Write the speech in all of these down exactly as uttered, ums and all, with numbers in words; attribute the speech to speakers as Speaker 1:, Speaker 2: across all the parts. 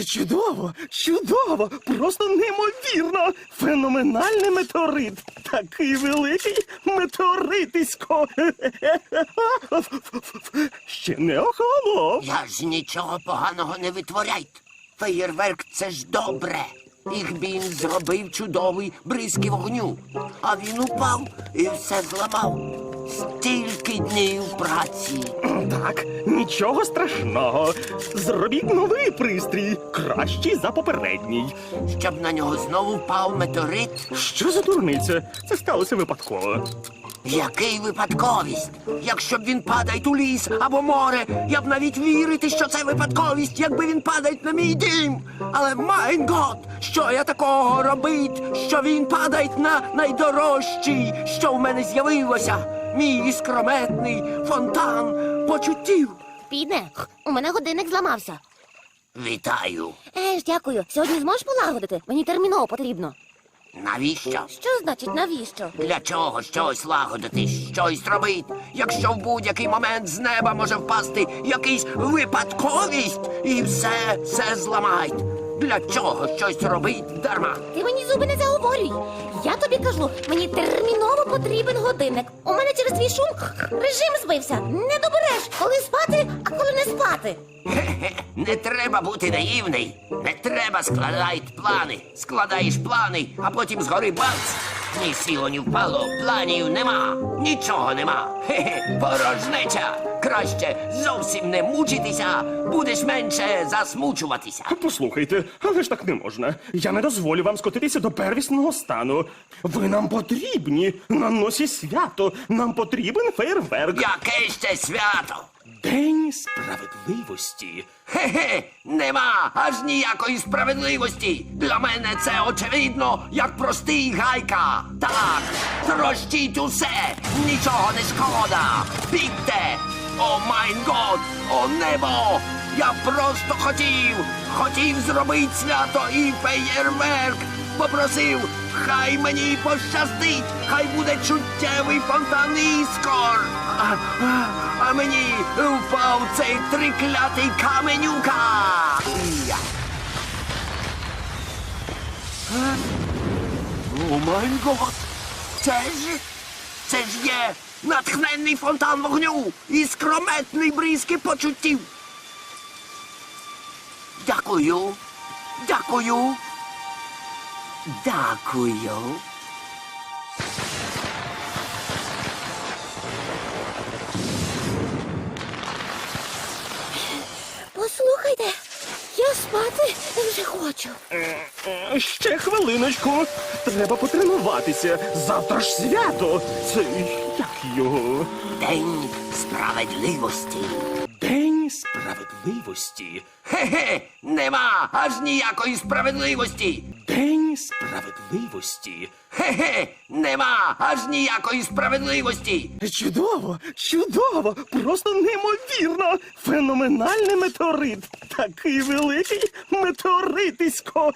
Speaker 1: Чудово, чудово, просто неймовірно. Феноменальний метеорит. Такий великий метеоритисько. Ще не охолонув.
Speaker 2: Я ж нічого поганого не витворяйте. Феєрверк – це ж добре. Їх він зробив чудовий бризки вогню. А він упав і все зламав. Стільки днів праці.
Speaker 1: Так, нічого страшного. Зробіть новий пристрій, кращий за попередній.
Speaker 2: Щоб на нього знову впав метеорит.
Speaker 1: Що за дурниця? Це сталося випадково.
Speaker 2: Який випадковість? Якщо б він падає у ліс або море, я б навіть вірити, що це випадковість, якби він падає на мій дім. Але, майн гот, що я такого робить, що він падає на найдорожчий, що в мене з'явилося? Мій іскрометний фонтан почуттів.
Speaker 3: Піде, у мене годинник зламався.
Speaker 2: Вітаю.
Speaker 3: Е ж, дякую. Сьогодні зможеш полагодити? Мені терміново потрібно.
Speaker 2: Навіщо?
Speaker 3: Що значить навіщо?
Speaker 2: Для чого щось лагодити, щось робити, якщо в будь-який момент з неба може впасти якийсь випадковість і все, все зламають? Для чого щось робить дарма?
Speaker 3: Ти мені зуби не заговорюй. Я тобі кажу, мені терміново потрібен годинник. У мене через твій шум режим збився. Не добереш, коли спати, а коли не спати.
Speaker 2: Хе-хе, не треба бути наївний. Не треба складати плани. Складаєш плани, а потім згори бац. Ні сіло, ні впало, планів нема. Нічого нема. Хе-хе, порожнеча. Краще зовсім не мучитися, будеш менше засмучуватися.
Speaker 1: Послухайте, але ж так не можна. Я не дозволю вам скотитися до первісного стану. Ви нам потрібні. На носі свято. Нам потрібен фейерверк.
Speaker 2: Яке ще свято?
Speaker 1: День справедливості.
Speaker 2: Хе-хе, нема аж ніякої справедливості. Для мене це очевидно, як простий гайка. Так, трощіть усе, нічого не шкода. Бігте! О майн год, о небо! Я просто хотів, хотів зробити свято і феєрверк. Попросив, хай мені пощастить, хай буде чуттєвий фонтан іскор. А, а, а мені впав цей триклятий каменюка. Я. Е? О май гот! Це ж, це ж є натхненний фонтан вогню і скрометний бризки почуттів. Дякую, дякую, дякую.
Speaker 3: Послухайте, я спати вже хочу.
Speaker 1: Е, Ще хвилиночку. Треба потренуватися. Завтра ж свято. Це як його?
Speaker 2: День справедливості.
Speaker 1: День справедливості.
Speaker 2: Хе-хе, нема аж ніякої справедливості.
Speaker 1: День справедливості.
Speaker 2: Хе-хе, нема аж ніякої справедливості.
Speaker 1: Чудово, чудово, просто неймовірно. Феноменальний метеорит. Такий великий метеоритисько.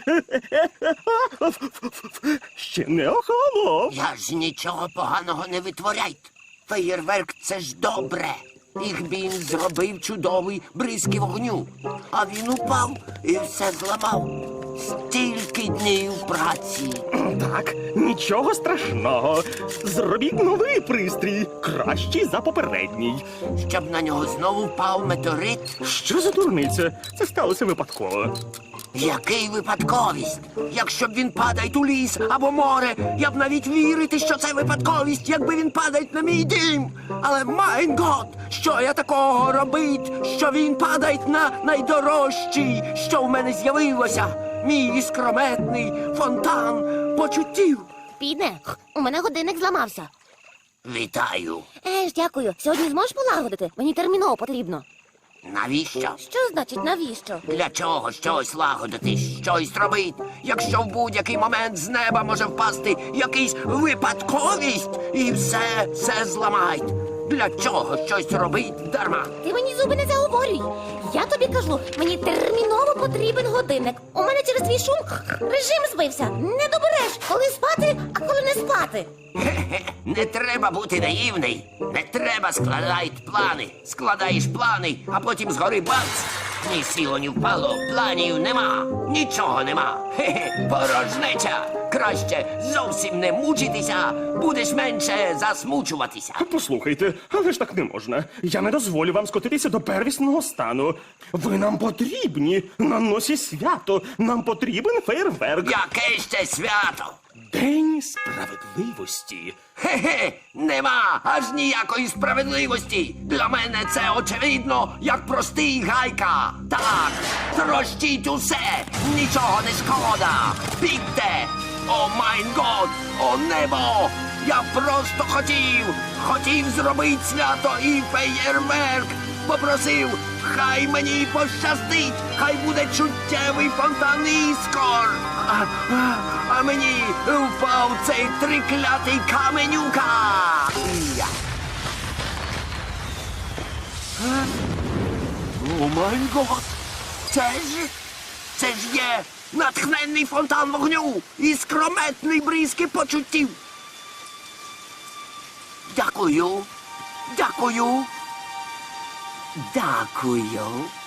Speaker 1: Ще не охолонув.
Speaker 2: Я ж нічого поганого не витворяйте. Феєрверк – це ж добре. Їх він зробив чудовий бризки вогню. А він упав і все зламав. Стільки днів праці.
Speaker 1: Так, нічого страшного. Зробіть новий пристрій, кращий за попередній.
Speaker 2: Щоб на нього знову впав метеорит.
Speaker 1: Що за дурниця? Це сталося випадково.
Speaker 2: Який випадковість? Якщо б він падає у ліс або море, я б навіть вірити, що це випадковість, якби він падає на мій дім. Але, майн гот, що я такого робить, що він падає на найдорожчий, що в мене з'явилося? Мій іскрометний фонтан почуттів.
Speaker 3: Піде, у мене годинник зламався.
Speaker 2: Вітаю.
Speaker 3: Е ж, дякую. Сьогодні зможеш полагодити? Мені терміново потрібно.
Speaker 2: Навіщо?
Speaker 3: Що значить навіщо?
Speaker 2: Для чого щось лагодити, щось робити, якщо в будь-який момент з неба може впасти якийсь випадковість і все, все зламають? Для чого щось робить дарма?
Speaker 3: Ти мені зуби не заговорюй. Я тобі кажу, мені терміново потрібен годинник. У мене через твій шум режим збився. Не добереш, коли спати, а коли не спати.
Speaker 2: Хе-хе, не треба бути наївний. Не треба складати плани. Складаєш плани, а потім згори бац. Ні сіло, ні впало, планів нема, нічого нема. Хе-хе, порожнеча. Краще зовсім не мучитися, будеш менше засмучуватися.
Speaker 1: Послухайте, але ж так не можна. Я не дозволю вам скотитися до первісного стану. Ви нам потрібні на носі свято. Нам потрібен фейерверк.
Speaker 2: Яке ще свято?
Speaker 1: День справедливості.
Speaker 2: Хе-хе, нема аж ніякої справедливості. Для мене це очевидно, як простий гайка. Так, трощіть усе, нічого не шкода. Бігте! О майн год, о небо! Я просто хотів, хотів зробити свято і феєрверк. Попросив, хай мені пощастить, хай буде чуттєвий фонтан іскор. А, а, а мені впав цей триклятий каменюка. Я. Е? О май гот! Це ж, це ж є натхненний фонтан вогню і скрометний бризки почуттів. Дякую, дякую. Дякую.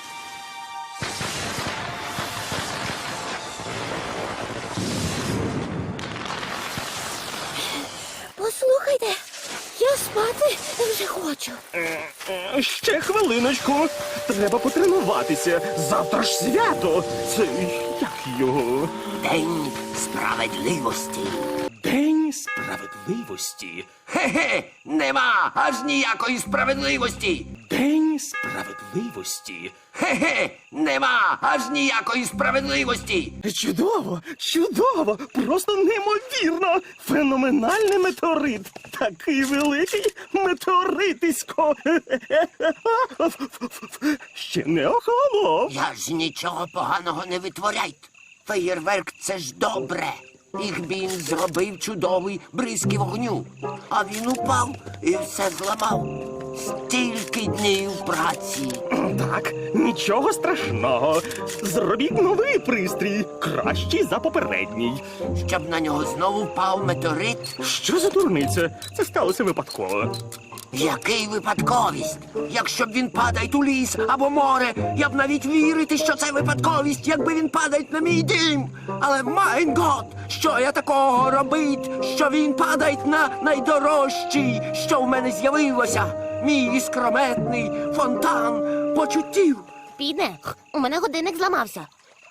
Speaker 3: Послухайте, я спати вже хочу.
Speaker 1: Е, Ще хвилиночку. Треба потренуватися. Завтра ж свято. Це як його?
Speaker 2: День справедливості.
Speaker 1: День справедливості.
Speaker 2: Хе-хе, нема аж ніякої справедливості.
Speaker 1: День справедливості.
Speaker 2: Хе-хе, нема аж ніякої справедливості.
Speaker 1: Чудово, чудово, просто неймовірно. Феноменальний метеорит. Такий великий метеоритисько. Ще не охолонув.
Speaker 2: Я ж нічого поганого не витворяйте. Феєрверк — це ж добре. Їх він зробив чудовий бризки вогню. А він упав і все зламав. Стільки днів праці.
Speaker 1: Так, нічого страшного. Зробіть новий пристрій, кращий за попередній.
Speaker 2: Щоб на нього знову впав метеорит.
Speaker 1: Що за дурниця? Це сталося випадково.
Speaker 2: Який випадковість? Якщо б він падає у ліс або море, я б навіть вірити, що це випадковість, якби він падає на мій дім. Але майн гот, що я такого робить, що він падає на найдорожчий, що в мене з'явилося? Мій іскрометний фонтан почуттів.
Speaker 3: Підне, у мене годинник зламався.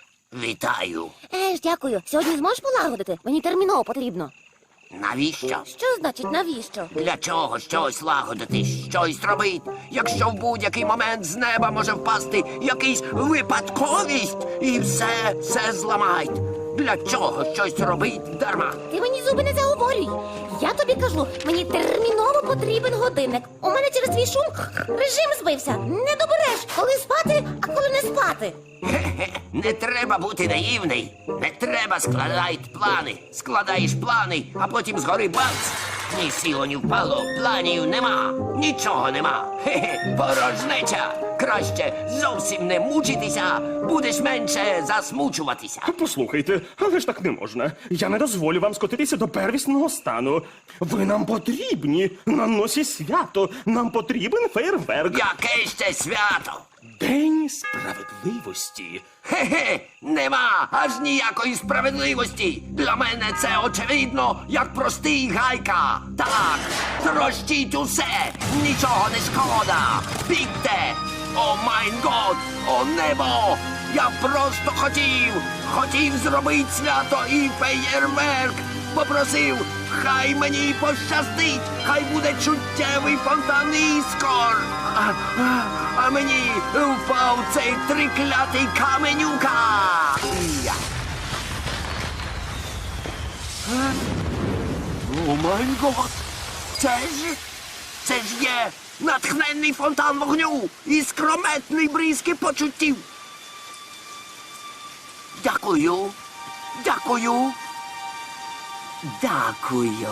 Speaker 2: Вітаю.
Speaker 3: Е ж, дякую. Сьогодні зможеш полагодити? Мені терміново потрібно.
Speaker 2: Навіщо?
Speaker 3: Що значить навіщо?
Speaker 2: Для чого щось лагодити, щось робить, якщо в будь-який момент з неба може впасти якийсь випадковість і все, все зламають? Для чого щось робить дарма?
Speaker 3: Ти мені зуби не заговорюй. Я тобі кажу, мені терміново потрібен годинник. У мене через твій шум режим збився. Не добереш, коли спати, а коли не спати.
Speaker 2: Хе-хе, не треба бути наївний. Не треба складати плани. Складаєш плани, а потім згори бац. Ні сіло, ні впало, планів нема, нічого нема. Хе-хе, порожнеча. Краще зовсім не мучитися, будеш менше засмучуватися.
Speaker 1: Послухайте, але ж так не можна. Я не дозволю вам скотитися до первісного стану. Ви нам потрібні на носі свято. Нам потрібен фейерверк.
Speaker 2: Яке ще свято?
Speaker 1: День справедливості.
Speaker 2: Хе-хе, нема аж ніякої справедливості. Для мене це очевидно, як простий гайка. Так, трощіть усе, нічого не шкода. Бігте! О майн год, о небо! Я просто хотів, хотів зробити свято і феєрверк. Попросив, хай мені пощастить, хай буде чуттєвий фонтан іскор. А, а, а мені впав цей триклятий каменюка. Я. Е? О май гот! Це ж, це ж є натхненний фонтан вогню і скрометний бризки почуттів. Дякую, дякую, дякую.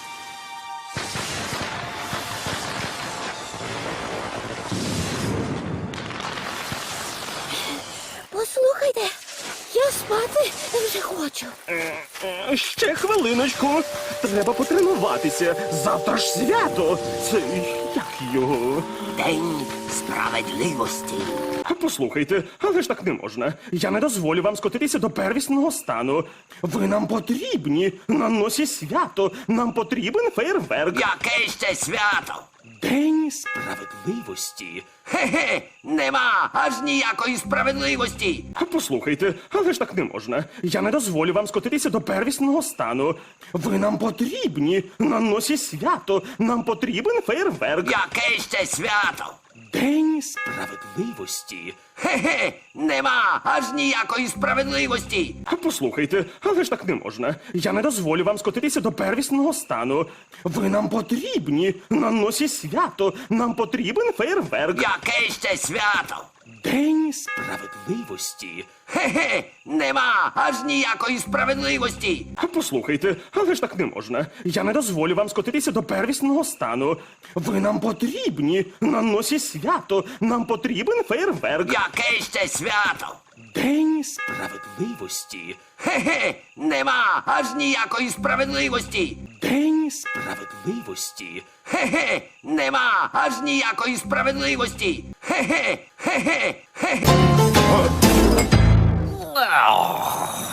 Speaker 3: Послухайте, я спати вже хочу.
Speaker 1: Е, Ще хвилиночку. Треба потренуватися. Завтра ж свято. Це як його?
Speaker 2: День справедливості.
Speaker 1: Послухайте, але ж так не можна. Я не дозволю вам скотитися до первісного стану. Ви нам потрібні на носі свято. Нам потрібен фейерверк.
Speaker 2: Яке ще свято?
Speaker 1: День справедливості.
Speaker 2: Хе-хе, нема аж ніякої справедливості.
Speaker 1: Послухайте, але ж так не можна. Я не дозволю вам скотитися до первісного стану. Ви нам потрібні на носі свято. Нам потрібен фейерверк.
Speaker 2: Яке ще свято?
Speaker 1: День справедливості.
Speaker 2: Хе-хе, нема аж ніякої справедливості.
Speaker 1: Послухайте, але ж так не можна. Я не дозволю вам скотитися до первісного стану. Ви нам потрібні на носі свято. Нам потрібен фейерверк.
Speaker 2: Яке ще свято?
Speaker 1: День справедливості.
Speaker 2: Хе-хе, нема аж ніякої справедливості.
Speaker 1: Послухайте, але ж так не можна. Я не дозволю вам скотитися до первісного стану. Ви нам потрібні на носі свято. Нам потрібен фейерверк.
Speaker 2: Яке ще свято?
Speaker 1: День справедливості.
Speaker 2: Хе-хе, нема аж ніякої справедливості.
Speaker 1: День справедливості.
Speaker 2: Хе-хе, нема аж ніякої справедливості. Хе-хе, хе-хе, хе-хе.